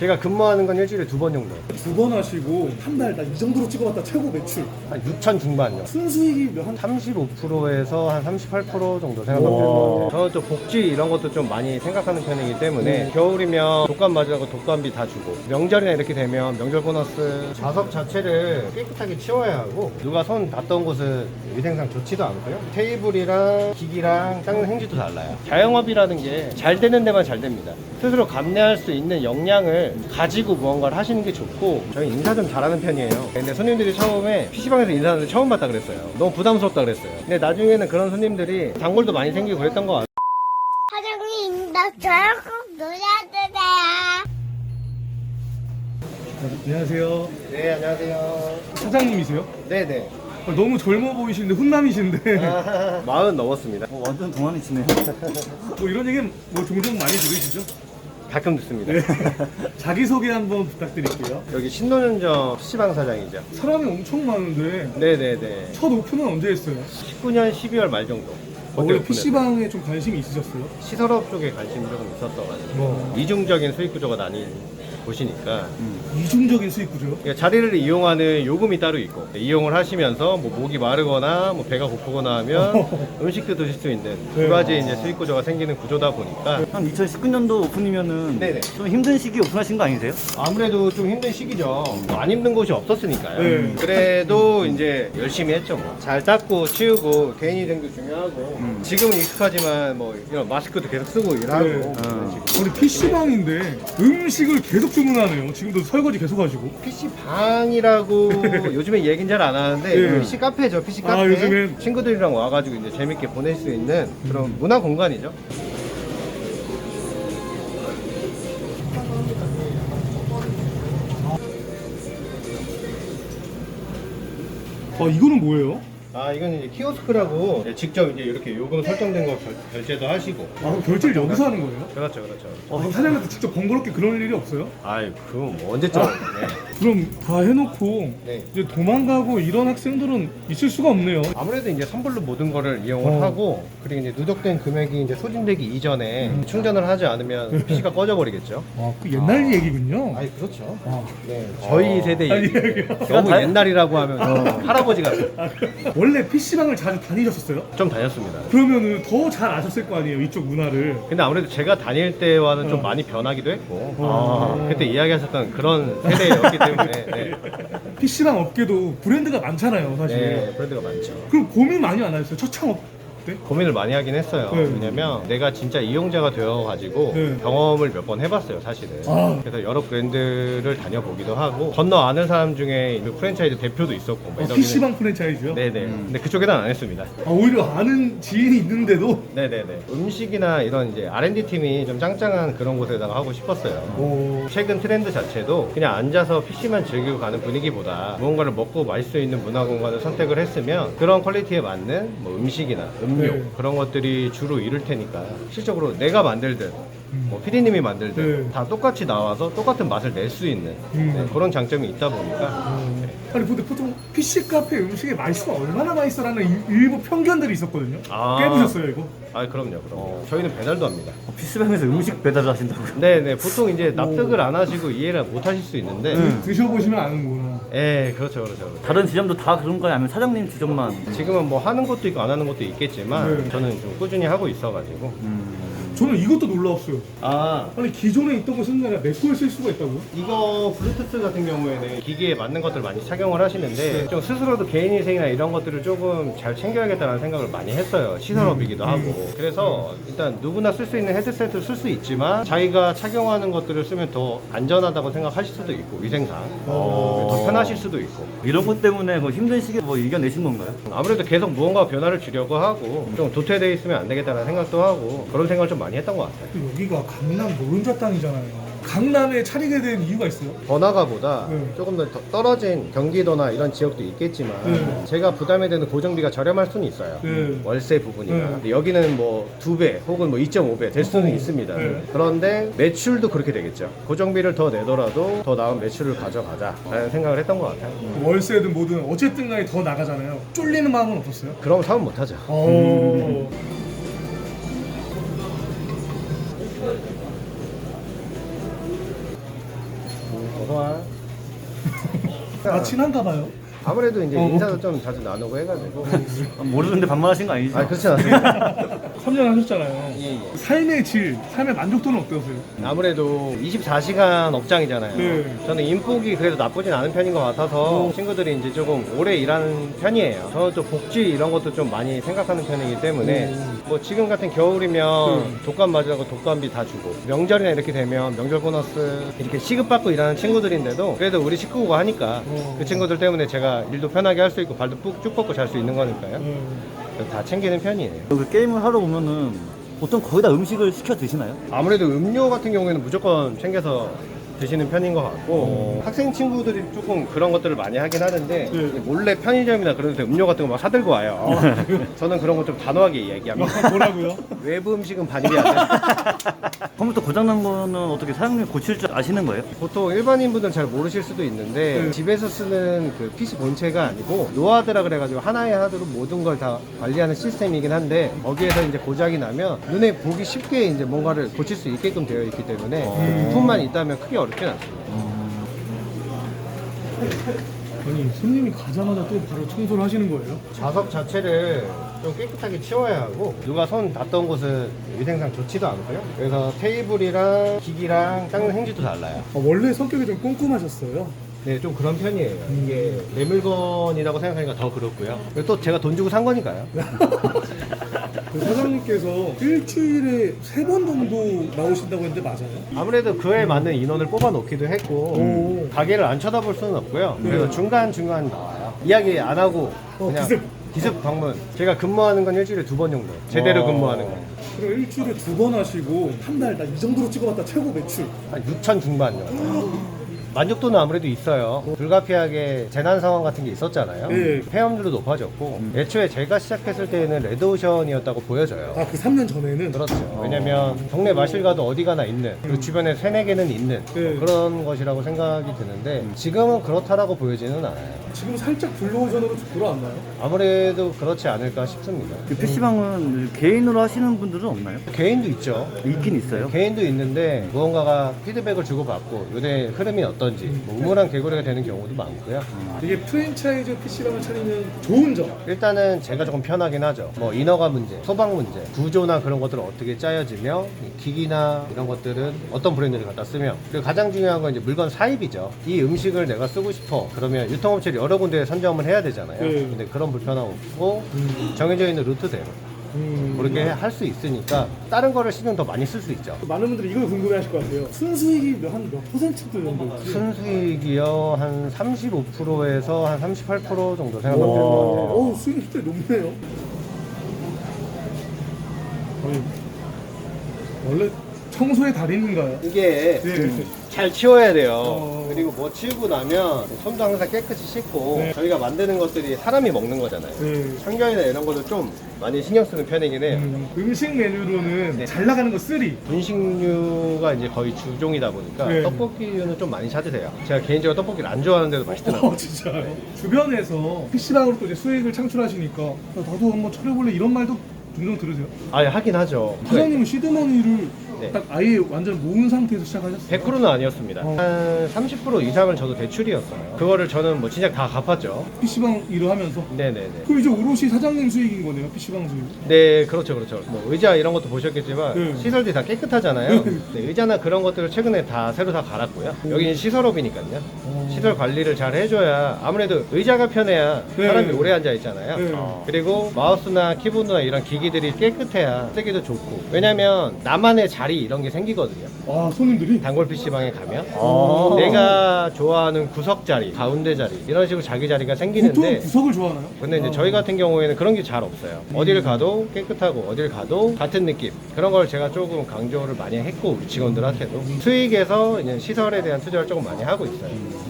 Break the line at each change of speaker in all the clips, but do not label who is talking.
제가 근무하는 건 일주일에 2번 정도.
2번 하시고 한 달 나 이 정도로 찍어봤다 최고 매출
한 6천 중반요.
순수익이 한
35%에서 한 38% 정도 생각하면 되는 것 같아요. 저는 또 복지 이런 것도 좀 많이 생각하는 편이기 때문에 겨울이면 독감 맞으라고 독감비 다 주고, 명절이나 이렇게 되면 명절 보너스. 좌석 자체를 깨끗하게 치워야 하고, 누가 손 닿던 곳은 위생상 좋지도 않고요. 테이블이랑 기기랑 닦는 행주도 달라요. 자영업이라는 게 잘 되는 데만 잘 됩니다. 스스로 감내할 수 있는 역량을 가지고 무언가를 하시는 게 좋고, 저희 인사 좀 잘하는 편이에요. 근데 손님들이 처음에 PC방에서 인사하는데 처음 봤다 그랬어요. 너무 부담스럽다 그랬어요. 근데 나중에는 그런 손님들이 단골도 많이 생기고 그랬던 것 같아요.
사장님, 나 저랑 꼭 놀아주세요.
안녕하세요.
네, 안녕하세요.
사장님이세요?
네네.
너무 젊어 보이시는데 훈남이신데
마흔 넘었습니다.
완전 동안이시네요.
뭐 이런 얘기 뭐 종종 많이 들으시죠?
가끔 듣습니다.
네. 자기소개 한번 부탁드릴게요.
여기 신논현점 PC방 사장이죠.
사람이 엄청 많은데
네네네.
첫 오픈은 언제 했어요?
19년 12월 말 정도.
원래
오픈했어요.
PC방에 좀 관심이 있으셨어요?
시설업 쪽에 관심이 조금 있었어가지고 이중적인 수익 구조가 나뉜 곳이니까
이중적인 수익 구조?
그러니까 자리를 이용하는 요금이 따로 있고, 이용을 하시면서 뭐 목이 마르거나 뭐 배가 고프거나 하면 음식도 드실 수 있는 두 가지 이제 수익 구조가 생기는 구조다 보니까
한 2019년도 오픈이면은
네네.
좀 힘든 시기에 오픈하신 거 아니세요?
아무래도 좀 힘든 시기죠. 뭐안 힘든 곳이 없었으니까요.
네.
그래도 이제 열심히 했죠. 뭐. 잘 닦고 치우고 개인위생도 중요하고, 지금은 익숙하지만 뭐 이런 마스크도 계속 쓰고 일하고.
네.
그런 식으로.
우리 PC방인데 음식을 계속 주문하네요. 지금도 설거지 계속 하시고.
PC 방이라고 요즘에 얘기는 잘 안 하는데
네.
PC 카페죠. PC 카페.
아, 요즘엔?
친구들이랑 와가지고 이제 재밌게 보낼 수 있는 그런 문화 공간이죠.
이거는 뭐예요?
아, 이건 이제 키오스크라고 직접 이제 이렇게 요금 설정된 거 결제도 하시고.
그럼 결제를 여기서 하는 거예요?
그렇죠, 그렇죠.
사장님한테 직접 번거롭게 그럴 일이 없어요?
아이, 그럼 뭐 언제쯤. 네.
그럼 다 해놓고
네.
이제 도망가고 이런 학생들은 있을 수가 없네요.
아무래도 이제 선불로 모든 거를 이용을 하고, 그리고 이제 누적된 금액이 이제 소진되기 이전에 충전을 하지 않으면 PC가 꺼져버리겠죠.
그 옛날 얘기군요.
아니, 그렇죠.
아,
네, 저희 세대
아니,
얘기. 너무 옛날이라고 하면 할아버지 같아요.
원래 PC방을 자주 다니셨었어요?
좀 다녔습니다.
그러면은 더 잘 아셨을 거 아니에요, 이쪽 문화를.
근데 아무래도 제가 다닐 때와는 좀 많이 변하기도 했고, 그때 이야기하셨던 그런 세대였기 때문에. 네.
PC방 업계도 브랜드가 많잖아요, 사실.
네, 브랜드가 많죠.
그럼 고민 많이 안 하셨어요? 첫 창업 때?
고민을 많이 하긴 했어요.
네.
왜냐면 내가 진짜 이용자가 되어가지고
네.
경험을 몇 번 해봤어요, 사실은.
아.
그래서 여러 브랜드를 다녀보기도 하고, 건너 아는 사람 중에 그 프랜차이즈 대표도 있었고. 뭐 이러기는-
PC방 프랜차이즈요?
네네. 근데 그쪽에는 안 했습니다.
오히려 아는 지인이 있는데도
네네네. 음식이나 이런 이제 R&D 팀이 좀 짱짱한 그런 곳에다가 하고 싶었어요. 최근 트렌드 자체도 그냥 앉아서 PC만 즐기고 가는 분위기보다 무언가를 먹고 마실 수 있는 문화 공간을 선택을 했으면 그런 퀄리티에 맞는 뭐 음식이나 음료
네.
그런 것들이 주로 이룰 테니까, 실적으로 내가 만들든 뭐 피디님이 만들든
네.
다 똑같이 나와서 똑같은 맛을 낼 수 있는 네, 그런 장점이 있다 보니까.
아니 근데 보통 PC 카페 음식이 맛있으면 얼마나 맛있어라는 일부 편견들이 있었거든요.
아.
깨보셨어요 이거?
아, 그럼요. 저희는 배달도 합니다.
PC방에서 음식 배달을 하신다고요?
네네. 보통 이제 납득을 안 하시고 이해를 못 하실 수 있는데.
드셔보시면 아는구나.
예, 그렇죠, 그렇죠.
다른 지점도 다 그런가요? 아니면 사장님 지점만?
지금은 뭐 하는 것도 있고 안 하는 것도 있겠지만
네.
저는 좀 꾸준히 하고 있어가지고.
저는 이것도 놀라웠어요.
아,
아니 기존에 있던 거 쓰는 게 아니라 내 거에 쓸 수가 있다고요?
이거 블루투스 같은 경우에는 기기에 맞는 것들 많이 착용을 하시는데 좀 스스로도 개인위생이나 이런 것들을 조금 잘 챙겨야겠다는 생각을 많이 했어요. 시설업이기도 하고. 그래서 일단 누구나 쓸 수 있는 헤드셋을 쓸 수 있지만 자기가 착용하는 것들을 쓰면 더 안전하다고 생각하실 수도 있고, 위생상 더 편하실 수도 있고.
이런 것 때문에 뭐 힘든 시기에 뭐 이겨내신 건가요?
아무래도 계속 무언가 변화를 주려고 하고 좀 도태되어 있으면 안 되겠다는 생각도 하고, 그런 생각을 좀 많이 했던 것 같아요.
또 여기가 강남 노른자 땅이잖아요. 강남에 차리게 된 이유가 있어요?
번화가보다
네.
조금 더 떨어진 경기도나 이런 지역도 있겠지만
네.
제가 부담이 되는 고정비가 저렴할 수는 있어요.
네.
월세 부분이나.
네.
근데 여기는 뭐 2배 혹은 뭐 2.5배 될 수는
어.
있습니다.
네.
그런데 매출도 그렇게 되겠죠. 고정비를 더 내더라도 더 나은 매출을 가져가자 라는 생각을 했던 것 같아요.
월세든 뭐든 어쨌든 간에 더 나가잖아요. 쫄리는 마음은 없었어요?
그럼 사업 못하죠. 소환.
아 친한가 봐요.
아무래도 이제 인사도 좀 자주 나누고 해가지고.
모르는데 반말하신 거 아니죠?
아, 그렇지 않습니다.
3년 하셨잖아요.
예, 예.
삶의 질, 삶의 만족도는 어떠세요?
아무래도 24시간 업장이잖아요.
네.
저는 인복이 그래도 나쁘진 않은 편인 것 같아서 친구들이 이제 조금 오래 일하는 편이에요. 저는 또 복지 이런 것도 좀 많이 생각하는 편이기 때문에 뭐 지금 같은 겨울이면 독감 맞으라고 독감비 다 주고 명절이나 이렇게 되면 명절 보너스 이렇게 시급받고 일하는 친구들인데도 그래도 우리 식구가 하니까 그 친구들 때문에 제가 일도 편하게 할 수 있고 발도 쭉 뻗고 잘 수 있는 거니까요. 그래서 다 챙기는 편이에요.
그 게임을 하러 오면은 보통 거의 다 음식을 시켜 드시나요?
아무래도 음료 같은 경우에는 무조건 챙겨서 드시는 편인 것 같고 학생 친구들이 조금 그런 것들을 많이 하긴 하는데 몰래 편의점이나 그런 데서 음료 같은 거 막 사들고 와요. 저는 그런 거 좀 단호하게 얘기합니다.
뭐라고요?
외부 음식은 반입이 안 돼요.
컴퓨터 고장난 거는 어떻게 사장님 고칠 줄 아시는 거예요?
보통 일반인분들은 잘 모르실 수도 있는데 집에서 쓰는 그 PC 본체가 아니고 노하드라 그래가지고 하나의 하드로 모든 걸 다 관리하는 시스템이긴 한데 거기에서 이제 고장이 나면 눈에 보기 쉽게 이제 뭔가를 고칠 수 있게끔 되어 있기 때문에 부품만 있다면 크게 어렵진 않습니다.
아니 손님이 가자마자 또 바로 청소를 하시는 거예요?
좌석 자체를 좀 깨끗하게 치워야 하고 누가 손 닿던 곳은 위생상 좋지도 않고요. 그래서 테이블이랑 기기랑 닦는 행주도 달라요.
원래 성격이 좀 꼼꼼하셨어요?
네, 좀 그런 편이에요. 이게 내 물건이라고 생각하니까 더 그렇고요. 그리고 또 제가 돈 주고 산 거니까요.
그 사장님께서 일주일에 3번 정도 나오신다고 했는데 맞아요?
아무래도 그에 맞는 인원을 뽑아 놓기도 했고 가게를 안 쳐다볼 수는 없고요. 그래서 중간중간 나와요. 이야기 안 하고 그냥 기습 방문. 제가 근무하는 건 일주일에 2번 정도. 제대로 근무하는 건.
그럼 일주일에 2번 하시고 한 달 나 이 정도로 찍어봤다 최고 매출
한 6천 중반 정도. 만족도는 아무래도 있어요. 불가피하게 재난 상황 같은 게 있었잖아요.
네.
폐업률도 높아졌고 애초에 제가 시작했을 때는 레드오션이었다고 보여져요.
아 그 3년 전에는?
그렇죠. 왜냐면 동네 마실 가도 어디 가나 있는 그 주변에 3-4개는 있는
네.
그런 것이라고 생각이 드는데 지금은 그렇다라고 보여지는 않아요.
지금 살짝 블루오션으로 돌아왔나요?
아무래도 그렇지 않을까 싶습니다.
그 PC방은 개인으로 하시는 분들은 없나요?
개인도 있죠.
있긴 있어요.
개인도 있는데 무언가가 피드백을 주고받고 요새 흐름이 어떤지 뭐 우물한 개구리가 되는 경우도 많고요.
이게 프랜차이즈 PC방을 차리면 좋은 점
일단은 제가 조금 편하긴 하죠. 뭐 인허가 문제, 소방 문제, 구조나 그런 것들을 어떻게 짜여지며 이 기기나 이런 것들은 어떤 브랜드를 갖다 쓰며 그리고 가장 중요한 건 이제 물건 사입이죠. 이 음식을 내가 쓰고 싶어 그러면 유통업체를 여러 군데에 선점을 해야 되잖아요.
네.
근데 그런 불편함 없고 정해져 있는 루트대로 그렇게 할 수 있으니까 다른 거를 신경 더 많이 쓸 수 있죠.
많은 분들이 이걸 궁금해하실 것 같아요. 순수익이 한 몇 퍼센트 정도?
순수익이요 한 35%에서 한 38% 정도 생각하면 될 것 같아요.
어우 수익이 꽤 높네요. 아니, 원래 청소의 달인인가요?
이게
네.
잘 치워야 돼요. 그리고 뭐 치우고 나면 손도 항상 깨끗이 씻고
네.
저희가 만드는 것들이 사람이 먹는 거잖아요.
네.
환경이나 이런 것도 좀 많이 신경 쓰는 편이긴 해요.
음식 메뉴로는
네.
잘 나가는 거 3.
분식류가 이제 거의 주종이다 보니까
네.
떡볶이류는 좀 많이 찾으세요. 제가 개인적으로 떡볶이를 안 좋아하는데도 맛있더라고요.
진짜요? 주변에서 PC방으로 또 이제 수익을 창출하시니까 야, 나도 한번 차려볼래 이런 말도 종종 들으세요?
아예 하긴 하죠.
사장님은 시드머니를
네.
딱 아예 완전 모은 상태에서 시작하셨어요?
100%는 아니었습니다. 한 30% 이상은 저도 대출이었어요. 그거를 저는 뭐 진작 다 갚았죠.
PC방 일을 하면서?
네네네.
그럼 이제 오롯이 사장님 수익인 거네요, PC방 수익.
네, 그렇죠, 그렇죠. 뭐 의자 이런 것도 보셨겠지만
네.
시설들이 다 깨끗하잖아요. 네, 의자나 그런 것들을 최근에 다 새로 다 갈았고요. 여기는 시설업이니까요. 시설 관리를 잘 해줘야 아무래도 의자가 편해야
네.
사람이 오래 앉아 있잖아요.
네.
그리고 마우스나 키보드나 이런 기기들이 깨끗해야 쓰기도 좋고. 왜냐면 나만의 자리 이런 게 생기거든요.
아, 손님들이?
단골 PC방에 가면
아.
내가 좋아하는 구석 자리, 가운데 자리 이런 식으로 자기 자리가
보통
생기는데
구석을 좋아하나요?
근데 이제 저희 같은 경우에는 그런 게 잘 없어요. 어딜 가도 깨끗하고 어딜 가도 같은 느낌 그런 걸 제가 조금 강조를 많이 했고 우리 직원들한테도 수익에서 이제 시설에 대한 투자를 조금 많이 하고 있어요.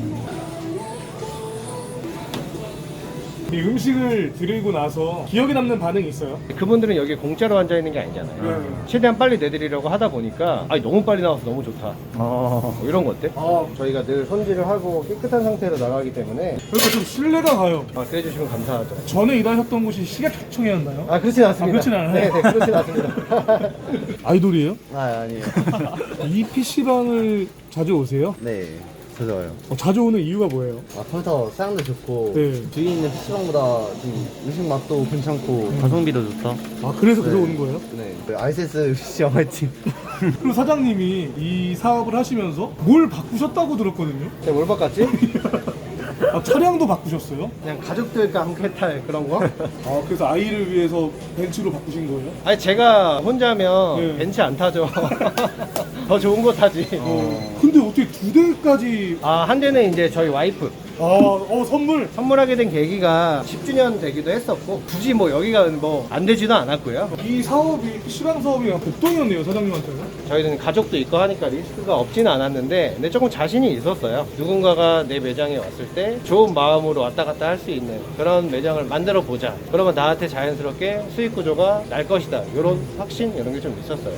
이 음식을 드리고 나서 기억에 남는 반응이 있어요?
그분들은 여기 공짜로 앉아 있는 게 아니잖아요.
네.
최대한 빨리 내드리려고 하다 보니까 아니 너무 빨리 나와서 너무 좋다. 뭐 이런 것들.
아,
저희가 늘 손질을 하고 깨끗한 상태로 나가기 때문에
그러니까 좀 신뢰가 가요.
그래 주시면 감사하죠.
전에 일하셨던 곳이 식약청이었나요?
아 그렇진 않습니다.
그렇진 않아요?
네, 그렇진 않습니다.
아이돌이에요?
아, 아니에요.
이 PC방을 자주 오세요?
네.
와요.
자주 오는 이유가 뭐예요?
컴퓨터 사양도 좋고
네.
주위 있는 PC방보다 좀 음식 맛도 괜찮고
가성비도 좋다.
아 그래서 그래서 오는 거예요?
네. 아이센스 PC방 화이팅.
그리고 사장님이 이 사업을 하시면서 뭘 바꾸셨다고 들었거든요.
제가 뭘 바꿨지?
아, 차량도 바꾸셨어요?
그냥 가족들과 함께 탈 그런 거?
아 그래서 아이를 위해서 벤츠로 바꾸신 거예요?
아니 제가 혼자면
네.
벤츠 안 타죠. 더 좋은 거 타지.
근데 어떻게 두 대까지
아, 한 대는 이제 저희 와이프
선물
선물하게 된 계기가 10주년 되기도 했었고 굳이 뭐 여기가 뭐 안 되지도 않았고요.
이 사업이 시장 사업이 그냥 복동이었네요 사장님한테는.
저희는 가족도 있고 하니까 리스크가 없지는 않았는데 근데 조금 자신이 있었어요. 누군가가 내 매장에 왔을 때 좋은 마음으로 왔다 갔다 할 수 있는 그런 매장을 만들어 보자. 그러면 나한테 자연스럽게 수익 구조가 날 것이다. 이런 확신 이런 게 좀 있었어요.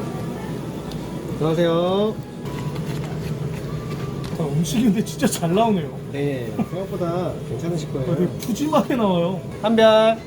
안녕하세요.
음식이 근데 진짜 잘 나오네요.
네, 생각보다 괜찮으실 거예요.
되게 푸짐하게 나와요.
한별.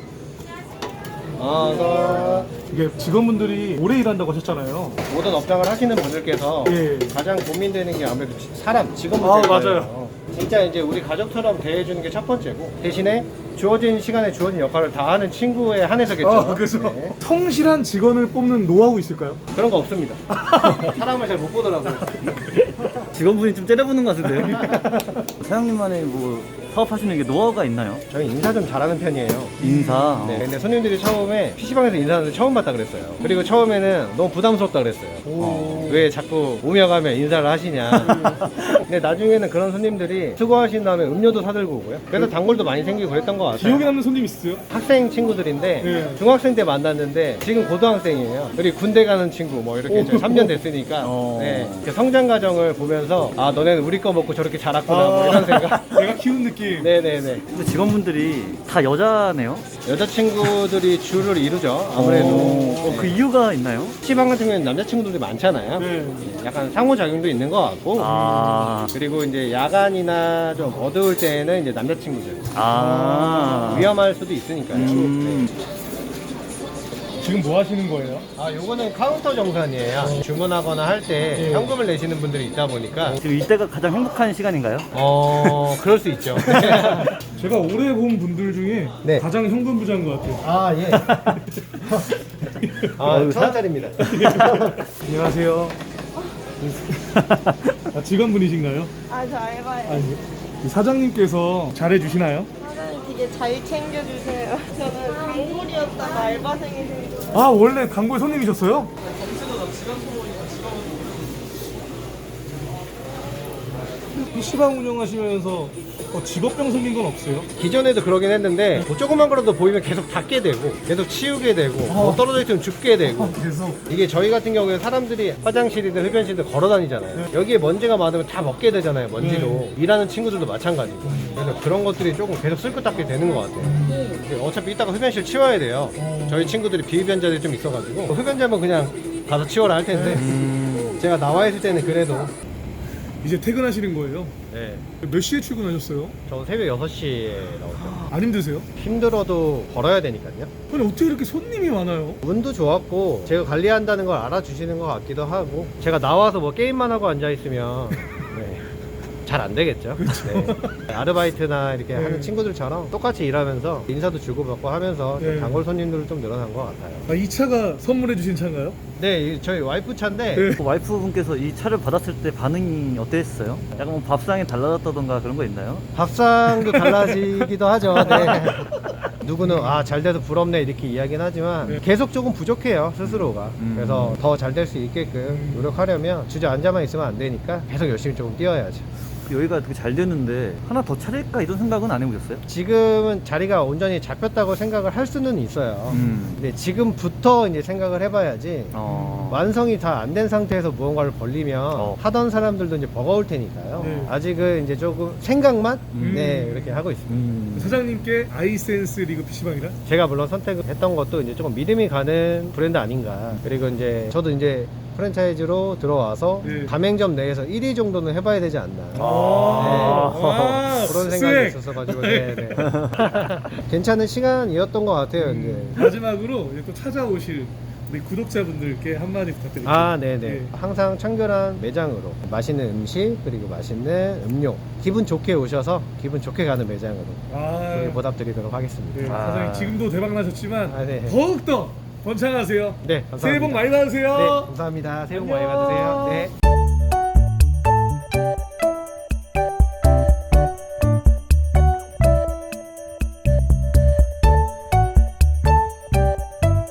어서.
이게 직원분들이 오래 일한다고 하셨잖아요.
모든 업장을 하시는 분들께서
예.
가장 고민되는 게 아무래도 사람, 직원분들.
아, 맞아요.
진짜 이제 우리 가족처럼 대해주는 게 첫 번째고 대신에 주어진 시간에 주어진 역할을 다 하는 친구에 한해서겠죠.
그래서
네.
성실한 직원을 뽑는 노하우 있을까요?
그런 거 없습니다. 사람을 잘 못 보더라고요.
직원분이 좀 째려보는 것 같은데요? 사장님만의 뭐 사업하시는 게 노하우가 있나요?
저희 인사 좀 잘하는 편이에요.
인사.
네, 근데 손님들이 처음에 PC방에서 인사하는 처음 봤다 그랬어요. 그리고 처음에는 너무 부담스럽다 그랬어요. 왜 자꾸 오며 가며 인사를 하시냐. 근데 나중에는 그런 손님들이 수고하신 다음에 음료도 사들고 오고요. 그래서 단골도 많이 생기고 그랬던 것 같아요.
기억에 남는 손님 있으세요?
학생 친구들인데
네.
중학생 때 만났는데 지금 고등학생이에요. 그리고 군대 가는 친구 뭐 이렇게 저희 3년 됐으니까 네, 이렇게 성장 과정을 보면서 아 너네는 우리 거 먹고 저렇게 자랐구나 뭐 이런 생각.
내가 키운 느낌.
네네네.
근데 직원분들이 다 여자네요?
여자친구들이 주를 이루죠. 아무래도
그 이유가 있나요?
PC방 같은 경우에는 남자친구들이 많잖아요.
네.
약간 상호작용도 있는 것 같고
아.
그리고 이제 야간이나 좀 어두울 때는 이제 남자친구들
아.
위험할 수도 있으니까요. 네.
지금 뭐 하시는 거예요?
아, 요거는 카운터 정산이에요. 주문하거나 할 때 현금을 내시는 분들이 있다 보니까
지금 이때가 가장 행복한 시간인가요?
그럴 수 있죠.
제가 오래 본 분들 중에
네.
가장 현금 부자인 것 같아요.
아, 예. 아, 1,000원짜리입니다.
안녕하세요. 직원분이신가요?
아, 저 알바예요.
아니요. 이 사장님께서 잘해주시나요?
사장님 되게 잘 챙겨주세요. 저는 단골이었다가 알바생이 돼서.
아 원래 단골 손님이셨어요? PC방 운영하시면서 직업병 생긴 건 없어요?
기존에도 그러긴 했는데 뭐 조그만 거라도 보이면 계속 닦게 되고 계속 치우게 되고 뭐 떨어져 있으면 줍게 되고
계속
이게 저희 같은 경우에 사람들이 화장실이든 흡연실이든 걸어 다니잖아요. 여기에 먼지가 많으면 다 먹게 되잖아요. 먼지로. 일하는 친구들도 마찬가지고. 그래서 그런 것들이 조금 계속 쓸고 닦게 되는 것 같아요. 어차피 이따가 흡연실 치워야 돼요. 저희 친구들이 비흡연자들이 좀 있어가지고 흡연자면 그냥 가서 치워라 할 텐데 제가 나와 있을 때는 그래도
이제 퇴근하시는 거예요?
네.
몇 시에 출근하셨어요?
저 새벽 6시에 나오죠.
안 힘드세요?
힘들어도 걸어야 되니까요.
아니 어떻게 이렇게 손님이 많아요?
운도 좋았고 제가 관리한다는 걸 알아주시는 것 같기도 하고 제가 나와서 뭐 게임만 하고 앉아있으면 네, 잘 안 되겠죠. 네. 아르바이트나 이렇게 하는 친구들처럼 똑같이 일하면서 인사도 주고받고 하면서 좀
네.
단골 손님들은 좀 늘어난 것 같아요.
아, 이 차가 선물해 주신 차인가요?
네, 저희 와이프 차인데
네.
그 와이프분께서 이 차를 받았을 때 반응이 어땠어요? 약간 뭐 밥상이 달라졌다던가 그런 거 있나요?
밥상도 달라지기도 하죠. 네. 누구는 아 잘 돼서 부럽네 이렇게 이야기는 하지만
네.
계속 조금 부족해요 스스로가. 그래서 더 잘 될 수 있게끔 노력하려면 주저앉아만 있으면 안 되니까 계속 열심히 조금 뛰어야죠.
여기가 되게 잘 됐는데 하나 더 차릴까 이런 생각은 안 해보셨어요?
지금은 자리가 온전히 잡혔다고 생각을 할 수는 있어요. 근데 지금부터 이제 생각을 해봐야지 완성이 다 안 된 상태에서 무언가를 벌리면 하던 사람들도 이제 버거울 테니까요.
네.
아직은 이제 조금 생각만 네 이렇게 하고 있습니다.
사장님께 아이센스 리그 PC방이라?
제가 물론 선택했던 것도 이제 조금 믿음이 가는 브랜드 아닌가. 그리고 이제 저도 이제 프랜차이즈로 들어와서
네.
가맹점 내에서 1위 정도는 해봐야 되지 않나.
아,
그런
스웩.
생각이 있었어가지고 네. 괜찮은 시간이었던 것 같아요. 이제.
마지막으로 이제 또 찾아오실 우리 구독자분들께 한마디 부탁드립니다.
아, 네네.
예.
항상 청결한 매장으로 맛있는 음식 그리고 맛있는 음료 기분 좋게 오셔서 기분 좋게 가는 매장으로
아,
보답드리도록 하겠습니다.
네,
아.
사장님 지금도 대박 나셨지만
아, 네.
더욱더 번창하세요.
네, 감사합니다.
새해 복 많이 받으세요.
네, 감사합니다. 새해 복 많이
안녕.
받으세요. 네.